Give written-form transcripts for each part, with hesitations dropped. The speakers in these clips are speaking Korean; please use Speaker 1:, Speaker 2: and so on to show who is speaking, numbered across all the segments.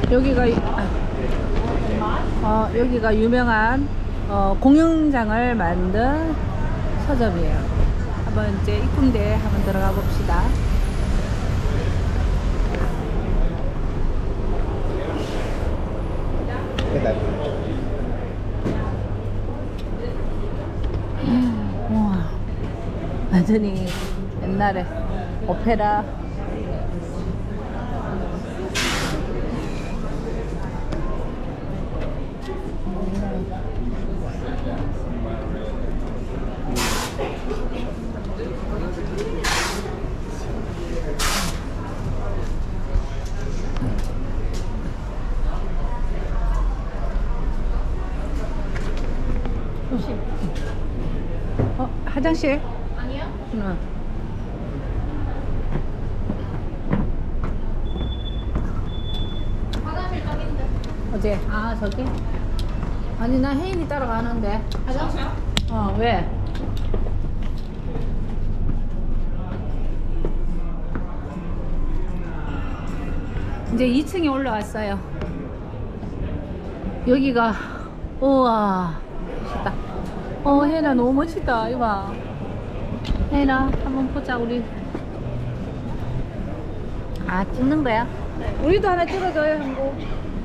Speaker 1: 여기가 유명한 공연장을 만든 서점이에요. 한번 이제 입구인데 한번 들어가 봅시다. 우와, 완전히 옛날에 오페라. 화장실?
Speaker 2: 아니요?
Speaker 1: 응.
Speaker 2: 화장실 저긴데.
Speaker 1: 어제 저기? 아니 나 혜인이 따라가는데.
Speaker 2: 화장실?
Speaker 1: 왜? 이제 2층에 올라왔어요. 여기가 우와 멋있다. 혜인아 너무 멋있다. 이거 봐. 혜인아 한번 보자. 우리 찍는 거야?
Speaker 2: 네.
Speaker 1: 우리도 하나 찍어줘요. 한국.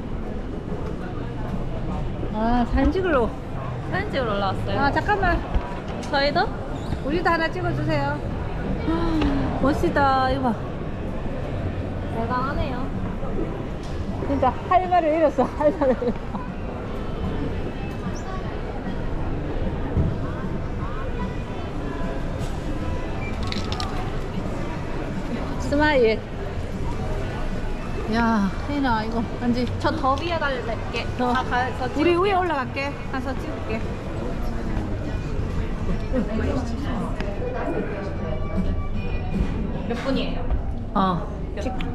Speaker 1: 사진 찍으러.
Speaker 2: 사진 찍으러 올라왔어요.
Speaker 1: 잠깐만.
Speaker 2: 저희도?
Speaker 1: 우리도 하나 찍어주세요. 멋지다. 이거 봐.
Speaker 2: 대단하네요.
Speaker 1: 진짜 할 말을 잃었어. 할 말을 잃었어. 스마일. 야, 혜인아 이거 완전
Speaker 2: 저 더 위에 갈게.
Speaker 1: 더.
Speaker 2: 가서
Speaker 1: 우리 위에 올라갈게. 가서 찍을게.
Speaker 2: 몇 분이에요?
Speaker 1: 찍.